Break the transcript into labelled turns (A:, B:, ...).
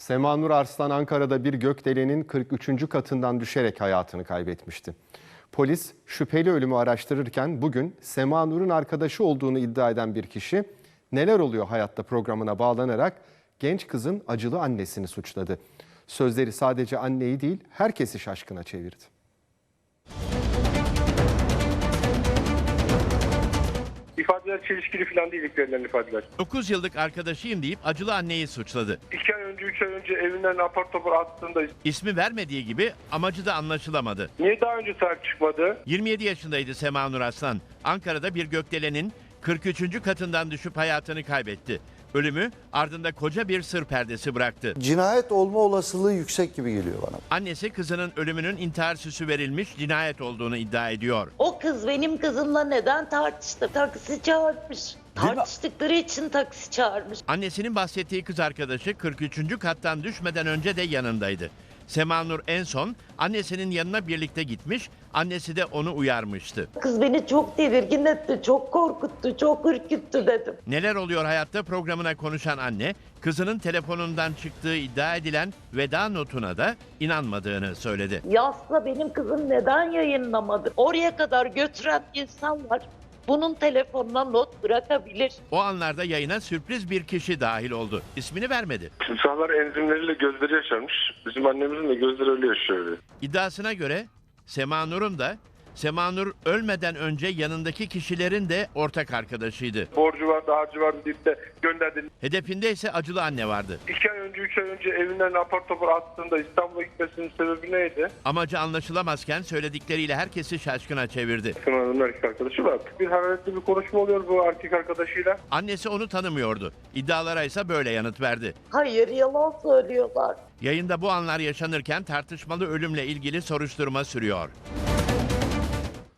A: Sema Nur Arslan Ankara'da bir gökdelenin 43. katından düşerek hayatını kaybetmişti. Polis şüpheli ölümü araştırırken bugün Sema Nur'un arkadaşı olduğunu iddia eden bir kişi "Neler Oluyor Hayatta" programına bağlanarak genç kızın acılı annesini suçladı. Sözleri sadece anneyi değil herkesi şaşkına çevirdi.
B: İfadeler çelişkili falan değil, ilk verilen ifadeler.
C: 9 yıllık arkadaşıyım deyip acılı anneyi suçladı.
B: 2 ay önce, 3 ay önce evinden apar topar attığında
C: İsmi vermediği gibi amacı da anlaşılamadı.
B: niye daha önce sahip çıkmadı?
C: 27 yaşındaydı Sema Nur Arslan. Ankara'da bir gökdelenin 43. katından düşüp hayatını kaybetti. Ölümü ardında koca bir sır perdesi bıraktı.
D: Cinayet olma olasılığı yüksek gibi geliyor bana.
C: Annesi kızının ölümünün intihar süsü verilmiş cinayet olduğunu iddia ediyor.
E: O kız benim kızımla neden tartıştı? Taksi çağırmış. Tartıştıkları için taksi çağırmış.
C: Annesinin bahsettiği kız arkadaşı 43. kattan düşmeden önce de yanındaydı. Sema Nur en son annesinin yanına birlikte gitmiş, annesi de onu uyarmıştı.
E: Kız beni çok tedirgin etti, çok korkuttu, çok ürküttü dedim.
C: Neler Oluyor Hayatta programına konuşan anne, kızının telefonundan çıktığı iddia edilen veda notuna da inanmadığını söyledi.
E: Yazsa benim kızım neden yayınlamadı? Oraya kadar götüren insan var. Bunun telefonuna not bırakabilir.
C: O anlarda yayına sürpriz bir kişi dahil oldu. İsmini vermedi.
B: Timsahlar enzimleriyle gözleri yaşarmış. Bizim annemizin de gözleri öyle yaşıyor.
C: İddiasına göre Sema Nur'un da Sema Nur ölmeden önce yanındaki kişilerin de ortak arkadaşıydı.
B: Borcu vardı, harcı vardı deyip de gönderdi.
C: Hedefinde ise acılı anne vardı.
B: 2 ay önce, 3 ay önce evinden apar topar attığında İstanbul'a gitmesinin sebebi neydi?
C: Amacı anlaşılamazken söyledikleriyle herkesi şaşkına çevirdi.
B: Sınavın erkek arkadaşı var. Bir hararetli bir konuşma oluyor bu erkek arkadaşıyla.
C: Annesi onu tanımıyordu. İddialara ise böyle yanıt verdi.
E: Hayır, yalan söylüyorlar.
C: Yayında bu anlar yaşanırken tartışmalı ölümle ilgili soruşturma sürüyor.